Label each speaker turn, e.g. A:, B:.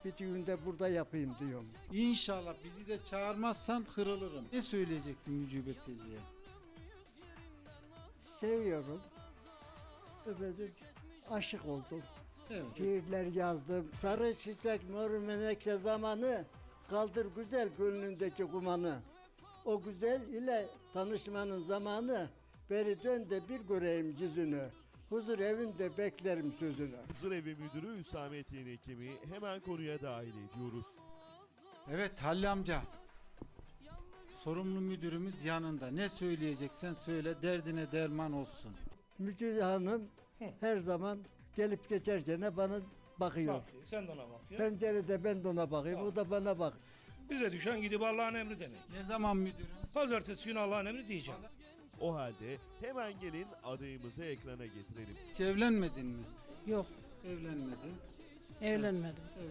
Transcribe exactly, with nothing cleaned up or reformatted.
A: Bir düğünde burada yapayım diyorum.
B: İnşallah bizi de çağırmazsan kırılırım. Ne söyleyeceksin Mücibet teyzeye?
A: Seviyorum. Efendim, aşık oldum.
B: Evet.
A: Şiirler yazdım. Sarı çiçek mor menekşe zamanı, kaldır güzel gönlündeki kumanı. O güzel ile tanışmanın zamanı, beri dön de bir göreyim yüzünü. Huzur evinde beklerim sözünü.
C: Huzurevi Müdürü Hüsamettin Ekim'i hemen konuya dahil ediyoruz.
B: Evet Halil amca. Sorumlu müdürümüz yanında. Ne söyleyeceksen söyle, derdine derman olsun.
A: Mücide Hanım her zaman gelip geçerken bana bakıyor.
D: Bakıyor, sen de ona bak ya.
A: Pencerede ben de ona bakayım, o da bana bak.
D: Bize düşen gidip Allah'ın emri demek.
B: Ne zaman müdürüm?
D: Pazartesi günü Allah'ın emri diyeceğim.
C: O halde hemen gelin adayımızı ekrana getirelim.
B: Hiç evlenmedin mi?
E: Yok,
B: Evlenmedin.
E: evlenmedim.